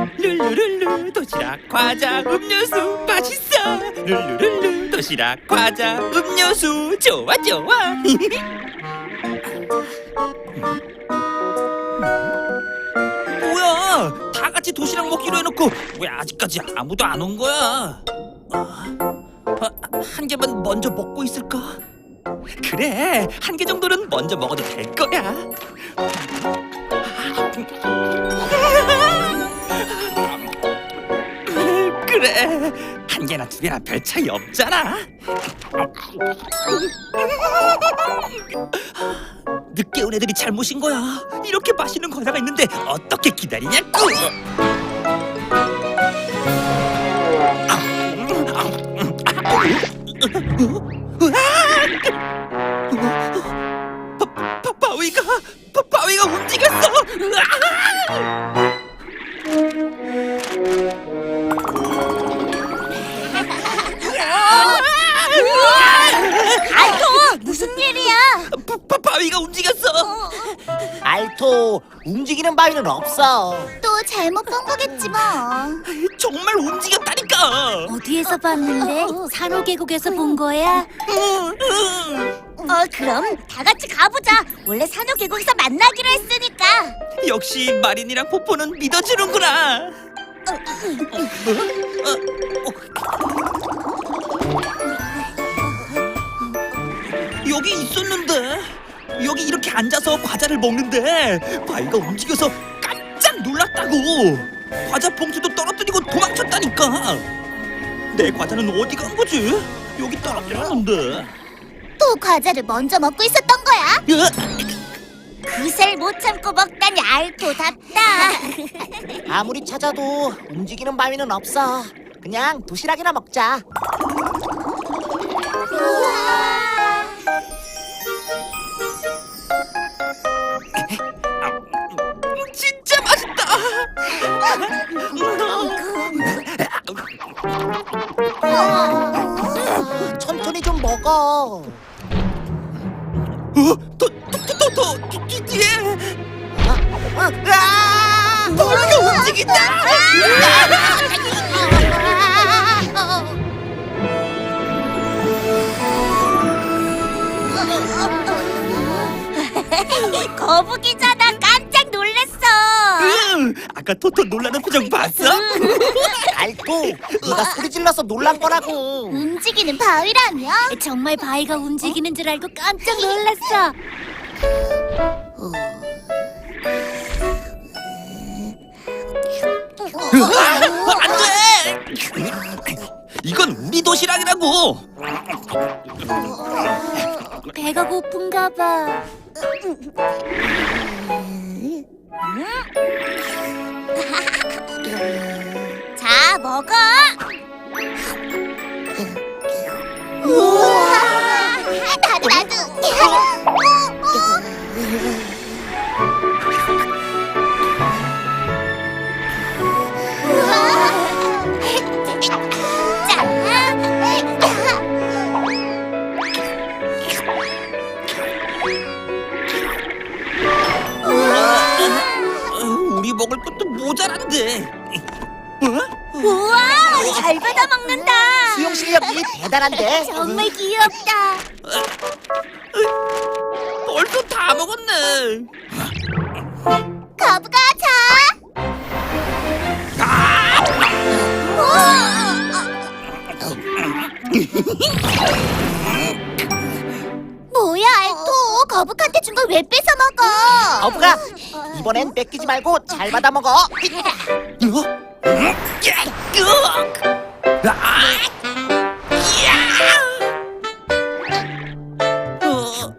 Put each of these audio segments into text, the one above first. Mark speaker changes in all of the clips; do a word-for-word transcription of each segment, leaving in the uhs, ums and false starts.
Speaker 1: 룰루룰루 도시락 과자 음료수 맛있어. 룰루룰루 도시락 과자 음료수 좋아 좋아. 뭐야, 다 같이 도시락 먹기로 해놓고 왜 아직까지 아무도 안 온 거야? 아, 한 개만 먼저 먹고 있을까? 그래, 한 개 정도는 먼저 먹어도 될 거야. 그래, 한 개나 두 개나 별 차이 없잖아. 늦게 온 애들이 잘못인 거야. 이렇게 맛있는 과자가 있는데 어떻게 기다리냐고. 바, 바, 바위가 바, 바위가 움직였어.
Speaker 2: 알토, 무슨 일이야?
Speaker 1: 바, 바, 바위가 움직였어.
Speaker 3: 알토, 움직이는 바위는 없어.
Speaker 2: 또 잘못 본 거겠지 뭐.
Speaker 1: 정말 움직였다니까.
Speaker 2: 어디에서 봤는데? 산호계곡에서 본 거야? 어, 그럼 다 같이 가보자. 원래 산호계곡에서 만나기로 했으니까.
Speaker 1: 역시 마린이랑 포포는 믿어주는구나. 여기 있었는데, 여기 이렇게 앉아서 과자를 먹는데 바위가 움직여서 깜짝 놀랐다고. 과자 봉투도 떨어뜨리고 도망쳤다니까. 내 과자는 어디 간 거지? 여기 떨어뜨렸는데.
Speaker 2: 또 과자를 먼저 먹고 있었던 거야?
Speaker 1: 으,
Speaker 2: 그새를 못 참고 먹다니 알토답다.
Speaker 3: 아무리 찾아도 움직이는 바위는 없어. 그냥 도시락이나 먹자.
Speaker 1: 진짜 맛있다.
Speaker 3: 천천히 좀 먹어.
Speaker 1: 어? 더, 더, 더, 더, 더, 뒤- 뒤에
Speaker 3: 아!
Speaker 1: 바위가 움직인다.
Speaker 2: 거북이잖아. 깜짝 놀랐어.
Speaker 1: 응, 아까 토토 놀라는 표정 봤어?
Speaker 3: 알토, 네가 소리 질러서 놀란 거라고.
Speaker 2: 움직이는 바위라며? 정말 바위가 움직이는 줄 알고 깜짝 놀랐어.
Speaker 1: 안 돼! 이건 우리 도시락이라고.
Speaker 2: 배가 고픈가 봐. 자, 먹어. 우와, 나도 나도.
Speaker 1: 우리 먹을 것도 모자란데. 어?
Speaker 2: 우와, 잘 받아 먹는다.
Speaker 3: 수영 실력이 대단한데.
Speaker 2: 정말 귀엽다.
Speaker 1: 벌써 다 먹었네.
Speaker 2: 거북아, 자. 뭐야, 알토. 거북한테 준 걸 왜 뺏어 먹어?
Speaker 3: 거북아, 이번엔 뺏기지 말고 잘 받아 먹어.
Speaker 1: 어? 야, 으악! 아! 야! 어,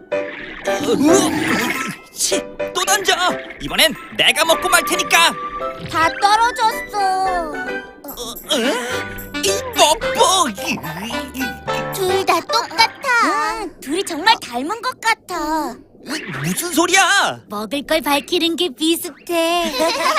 Speaker 1: 으, 치, 또 던져. 이번엔 내가 먹고 말 테니까.
Speaker 2: 다 떨어졌어.
Speaker 1: 어, 어? 이 뻑뻑.
Speaker 2: 둘 다 똑같아. 둘이 정말 닮은 것 같아.
Speaker 1: 무슨 소리야?
Speaker 2: 먹을 걸 밝히는 게 비슷해.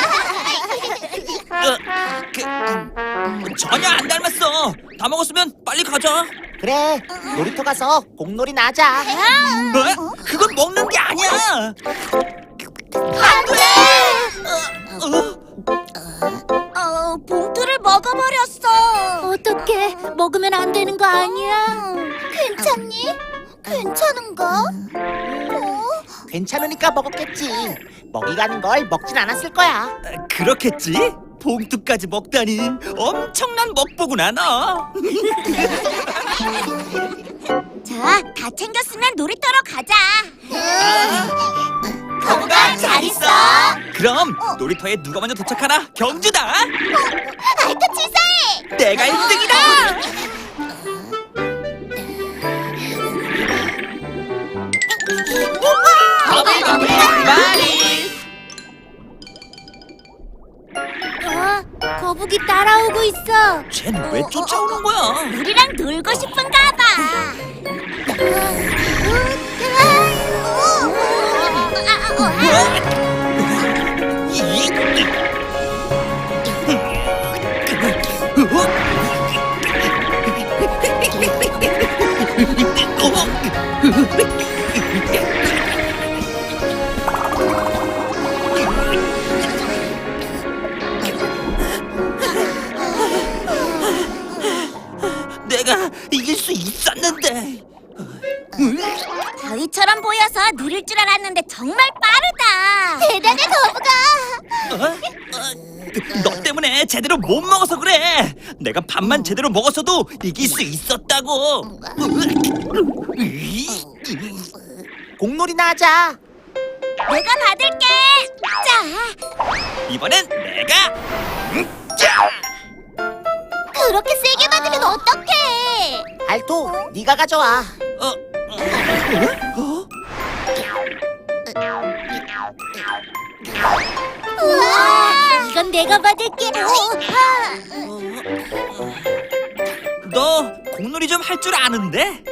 Speaker 1: 어, 그, 음, 전혀 안 닮았어. 다 먹었으면 빨리 가자.
Speaker 3: 그래, 놀이터 가서 공놀이 나자.
Speaker 1: 어? 그건 먹는 게 아니야.
Speaker 2: 안 돼!
Speaker 1: 어, 어?
Speaker 2: 알토 봉투를 먹어버렸어. 어떡해? 먹으면 안 되는 거 아니야? 괜찮니? 괜찮은가? 어?
Speaker 3: 괜찮으니까 먹었겠지. 먹이 가는 걸 먹진 않았을 거야.
Speaker 1: 그렇겠지? 봉투까지 먹다니 엄청난 먹보구나 너.
Speaker 2: 자, 다 챙겼으면 놀이터로 가자. 거북아, 잘 있어.
Speaker 1: 그럼 놀이터에 누가 먼저 도착하나 경주다.
Speaker 2: 알토 치사해.
Speaker 1: 내가 일 등이다. 마리.
Speaker 2: 어, 거북이 따라오고 있어.
Speaker 1: 쟤는 왜 쫓아오는 거야?
Speaker 2: 우리랑 놀고 싶은가 봐.
Speaker 1: 내가 이길 수 있었는데.
Speaker 2: 바위처럼 보여서 누릴 줄 알았는데 정말 빠르다. 대단해, 거북아.
Speaker 1: 어? 어? 너 때문에 제대로 못 먹어서 그래. 내가 밥만 제대로 먹었어도 이길 수 있었다고.
Speaker 3: 공놀이나 하자.
Speaker 2: 내가 받을게. 자,
Speaker 1: 이번엔 내가. 음, 자!
Speaker 2: 그렇게 세게 받으면 어떡해?
Speaker 3: 알토, 네가 가져와.
Speaker 1: 어? 어? 어?
Speaker 2: 우와, 이건 내가 받을게.
Speaker 1: 너 공놀이 좀 할 줄 아는데?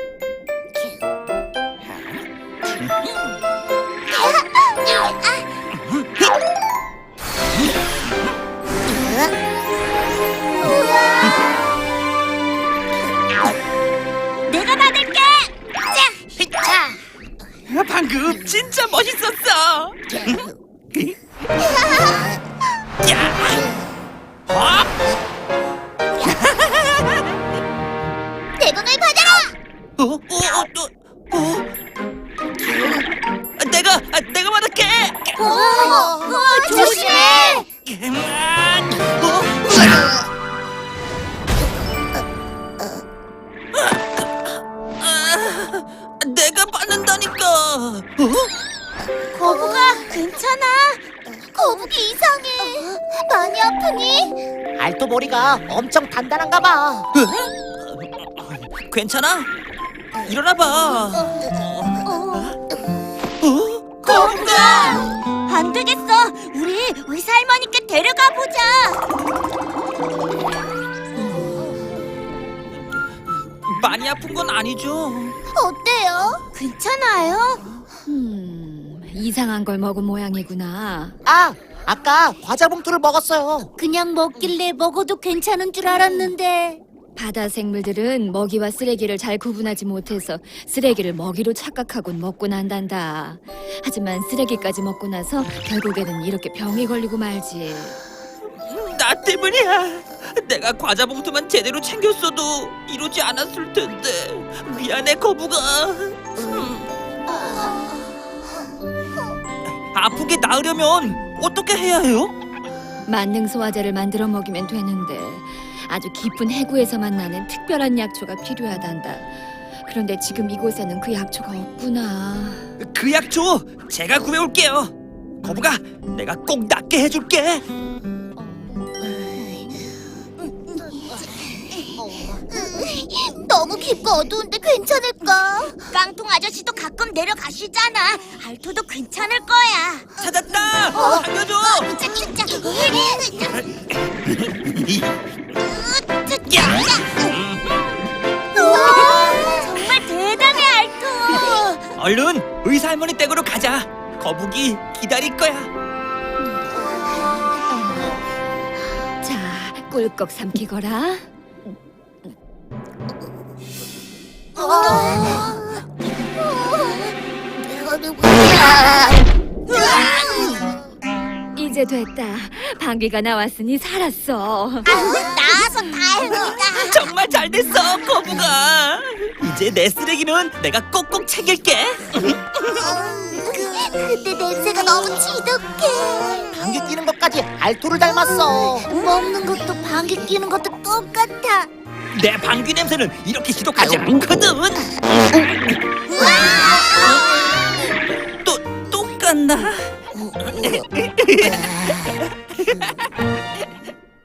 Speaker 2: 내가 받을게. 자, 자.
Speaker 1: 방금 진짜 멋있었어. 야! 어?
Speaker 2: 내 돈을 받아라.
Speaker 1: 어? 어? 어? 어? 내가 아, 내가 받을게.
Speaker 2: 어, 어, 조심해.
Speaker 1: 그만. 어? 아, 내가 받는다니까. 어?
Speaker 2: 거북아, 괜찮아? 거북이 이상해. 많이 아프니?
Speaker 3: 알토 머리가 엄청 단단한가 봐.
Speaker 1: 괜찮아? 일어나봐. 어?
Speaker 2: 거북아! 안 되겠어. 우리 의사 할머니께 데려가 보자.
Speaker 1: 많이 아픈 건 아니죠?
Speaker 2: 어때요? 괜찮아요?
Speaker 4: 음, 이상한 걸 먹은 모양이구나.
Speaker 3: 아, 아까 과자 봉투를 먹었어요.
Speaker 2: 그냥 먹길래 먹어도 괜찮은 줄 알았는데.
Speaker 4: 바다 생물들은 먹이와 쓰레기를 잘 구분하지 못해서 쓰레기를 먹이로 착각하곤 먹고 난단다. 하지만 쓰레기까지 먹고 나서 결국에는 이렇게 병이 걸리고 말지.
Speaker 1: 나 때문이야. 내가 과자 봉투만 제대로 챙겼어도 이러지 않았을 텐데. 미안해 거북아. 아프게 나으려면 어떻게 해야 해요?
Speaker 4: 만능 소화제를 만들어 먹이면 되는데 아주 깊은 해구에서만 나는 특별한 약초가 필요하단다. 그런데 지금 이곳에는 그 약초가 없구나.
Speaker 1: 그 약초 제가 구해올게요. 거북아, 내가 꼭 낫게 해줄게.
Speaker 2: 너무 깊고 어두운데 괜찮을까? 깡통 아저씨도 가끔 내려가시잖아. 알토도 괜찮을 거야.
Speaker 1: 찾았다. 살려줘.
Speaker 2: 짜, 짜, 짜.
Speaker 1: 야!
Speaker 2: 우와, 정말 대단해, 알토.
Speaker 1: 얼른 의사 할머니 댁으로 가자. 거북이 기다릴 거야.
Speaker 4: 자, 꿀꺽 삼키거라. 이제 이제 됐다. 방귀가 나왔으니 살았어.
Speaker 2: 나와서 다행이다.
Speaker 1: 정말 잘 됐어, 거북아. 이제 내 쓰레기는 내가 꼭꼭 챙길게.
Speaker 2: 근데 냄새가 너무 지독해.
Speaker 3: 방귀 뀌는 것까지 알토를 닮았어.
Speaker 2: 먹는 것도 방귀 뀌는 것도 똑같아.
Speaker 1: 내 방귀 냄새는 이렇게 지독하지 않거든.
Speaker 2: 와!